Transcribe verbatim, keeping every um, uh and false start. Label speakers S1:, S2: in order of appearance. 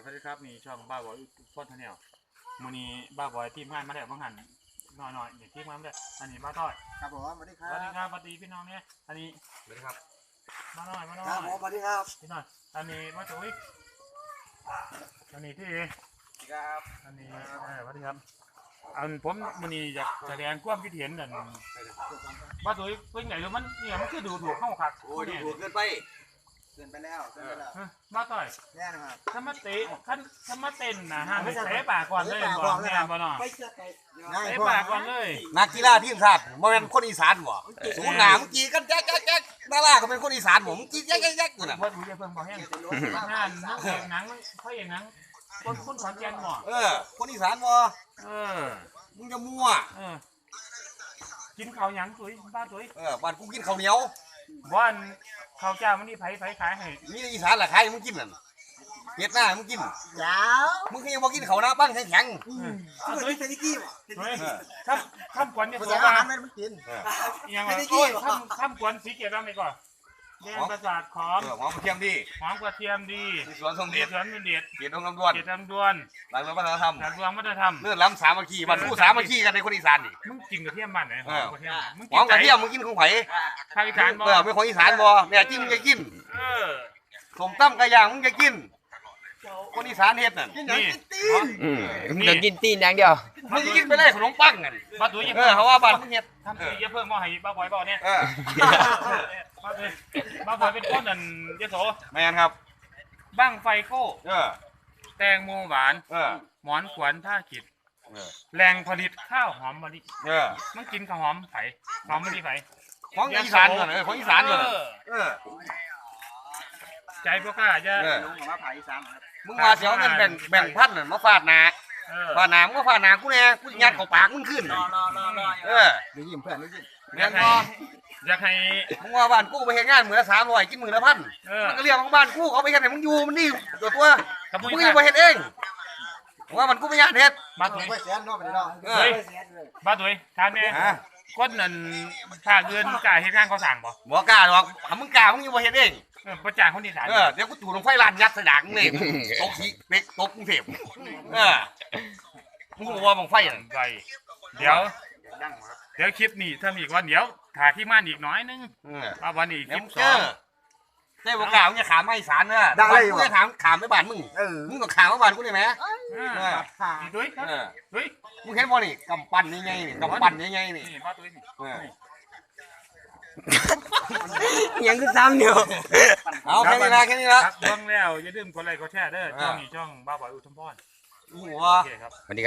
S1: สวัสดีครับนี่ช่องบ้าบอยฟอนทันเนลมือนี้บ้าบอยทีมงานมาแล้วบางหันหน่อยหน่อยอย่างทีมงานมาแล้วอันนี้บ้าต้อย
S2: ครับผมสวัสดีค
S1: ส
S2: รับ
S1: วัสดีครับสวัสดีพี่น้องเนี่ยอันนี้
S3: สวัสดีครับ
S1: มาหน่อยมาหน่อย
S2: ครับผมสวัสดีครับ
S1: พี่น้อยอันนี้มาจุ้ยอันนี้ที่
S3: ครับ
S1: อันนี้เออสวัสดีครับอันผมมือนี้อยากแสดงความคิดเห็นนั่นบ้าจุ้ยเป็นไงรู้มันเนี่ยมันคือดูถูกเข้าขัด
S3: โอ้ยดูถูกเกินไป
S2: เกินไปแล้วเกินไปแล้ว
S1: บ้าต้อย
S2: แน่นะครับ
S1: ถ้ามาเตะขั้นถ้ามาเต้นนะฮะไม่เตะปากก่อนเลยก่อนแน่บ่เนาะ
S2: ไปเชื่อใคร
S1: เตะปากก่อนเลย
S3: นักกีฬาทีมชาติบ่เป็นคนอีสานบ่สูงหนาเมื่อกี้กันแจ๊กแจ๊กแจ๊กดาราก็เป็นคนอีสานบ่เมื่อกี้แจ๊กแจ๊กแจ๊กอยู่น่ะ
S1: ว่าดูจะเพิ่งบอกแห้งงานนักเอกหนังเขาเอกหนังคนคนขอนแก่นบ่
S3: เออคนอีสานบ่
S1: เออ
S3: มึงจะมั่ว
S1: เออกินข้าวหยังตุ้ยบ้าตุ้ย
S3: เออบ้านกูกินข้าวเหนียว
S1: บ้านข้าวเจ้ามันนี่ไผไผขายให้
S3: มีอีสานล่ะใครมึงกินนั่นเฮ็ดหน้ามึงกิน
S2: ยาว
S3: มึงก็ยังบ่กินข้าวหน้าปั้งแข็ง
S2: คุณตุ้ยเป็นกี้ป่ะ
S1: เฮ้ยทำทำกวนเนี่ย
S2: ภา
S1: ตั
S2: ษาว อา
S1: มา
S2: หารมันกิน
S3: ๆเออ
S1: ยังไงโอ้ยทำทำกวนสีเกียรติบ้างดีกว่าแดงประสาทขอม
S3: เออหอมกระเทียมดี
S1: หอมกระเทียมดี
S3: ที่สวนทรง
S1: เด็
S3: เด็
S1: ด
S3: ด
S1: สวนเป็นเด็ด
S3: เกียรติองค์ลำดวน
S1: เด็ดลำดวน
S3: หลังเรื่องวัฒนธรรม
S1: หลักดวงวัฒนธรรม
S3: เลื่อนล้ำสามัคคีบ้านกูสามัคคีกันในคนอีสานนี่
S1: มึงกินกระเทียมบ้านไหนหอมกระเทียมมึง
S3: หอมกระเทียมมึงกินของไผ
S1: ภาคอีสานบ่
S3: เออเป็นของอีสานบ่แม่จิ้มมึงจะกิน
S1: เออ
S3: สมตั้มกระย่างมึงจะกิน คนอีสานเฮ็ดนั่น
S2: กินหนังกินตีน
S4: อืมมึงจะกินตีนอย่างเดียว
S3: มึงจะกินไปเลยขนมปังกัน
S1: บ้าตุ้ยยัง
S3: เออเขาว่าบ้านมึงเฮ็ด
S1: ทำตุ้ยเยอะเพิ่งบ่ให้บ้าบอยบ่เนี่ย
S3: เออ
S1: บ้าตุ้ยบ้าบอยเป็นคนนั่นยโส
S3: แม่นครับ
S1: บ้างไฟโก้
S3: เออ
S1: แตงโมหวาน
S3: เออ
S1: หมอนขวัญท่าขิด
S3: เออ
S1: แหล่งผลิตข้าวหอมมะลิ
S3: เออ
S1: มันกินข้าวหอมไผ่หอมมะลิไผ่
S3: ของอีสานก่อนเออของอีสานก่อน
S1: เออ
S3: เออ
S1: ใจพวกข้าจะ
S3: เออ
S2: ลุงของมาผ่าอีสานครับ
S3: มึงว่าเสียวเงินแบ่งแบ่งพันน่ะมาฟาดหน้า
S1: เออ
S3: ฟาดหน้ามึงก็ฟาดหน้ากูแน่กูยัดเข้าปากมึงขึ้น
S2: รอรอรอรอ
S3: เออ
S2: เดี๋ยวยิ้มเพื่อนเดี๋ยวยิ้ม
S3: แม่
S1: อยาก
S3: น
S1: ให้
S3: บ่
S1: อยากให้
S3: มึงว่าบ้านกูไปเฮ็ดงานมื้อละสามร้อยกินมื้อละพัน
S1: เออ
S3: มันก็เรียกของบ้านกูเขาไปเฮ็ดให้มึงอยู่มันนี่ตัวตัว
S1: ขโมย
S3: มึงยังบ่เฮ็ดเองว่ามันกูไม่ยานเฮ็ด
S1: บ้า
S2: ต้
S1: ตุ้
S2: อง
S1: ย
S2: ไปแสนเนาะไปเนาะ
S3: เออ
S1: บ้าตุ้ยถามแม่
S3: ฮะ
S1: คนนั่นถ้าเงินกล้าเฮ็ดงานเขาสั่งบ่
S3: บ่กล้าหรอกถ้ามึงกล้ามึงยังบ่เฮ็ดเอง
S1: เออประจานคนอีสาน
S3: เออเดี๋ยวกูถูกลงไฟลานยัดใส่ดากมึงเลยตกขี้เล็กตกกรุงเทพเออมึงรู้ว่าบังไฟอ่ะ
S1: ไปเดี๋ยว
S2: ดังครับ
S1: เดี๋ยวคลิปนี้ถ้ามีอีกวันเดี๋ยวถ่ายที่ม่านอีกน้อยนึง
S3: เออ
S1: ว่าวันนี้ค
S3: เดี๋ย
S1: ลิ
S3: ว
S1: ป
S3: มึง
S1: ส
S3: เจ
S1: อง
S3: อเจ้าบ่กล้ามึงจะขามมาอีสานเด้อ
S2: ได้เลย
S3: มึงจะถามขามไปบ้านมึง
S2: เออ
S3: มึงก็ขามมาบ้านกูได้ไหม
S1: เออ
S3: เออ
S2: ผ่า
S1: นี่ตุ้ยครับ
S3: เออ
S1: ตุ้ย
S3: มึงเห็นบ่นี่กำปั้นยังไงนี่กำปั้นยังไงนี่
S1: นี่บ้าตุ้ยนี่
S3: เออ
S4: ยังคือซ้ำเดียว
S3: เอาแค่นี้นะแค่นี้
S1: ค
S3: นะ
S1: รับเบิ่งแล้วอย่าลืมกดไลค์กดแชร์เด้อช่องนี้ช่องบ้าบอยอุทมพร
S3: หัว
S1: โอเคครับ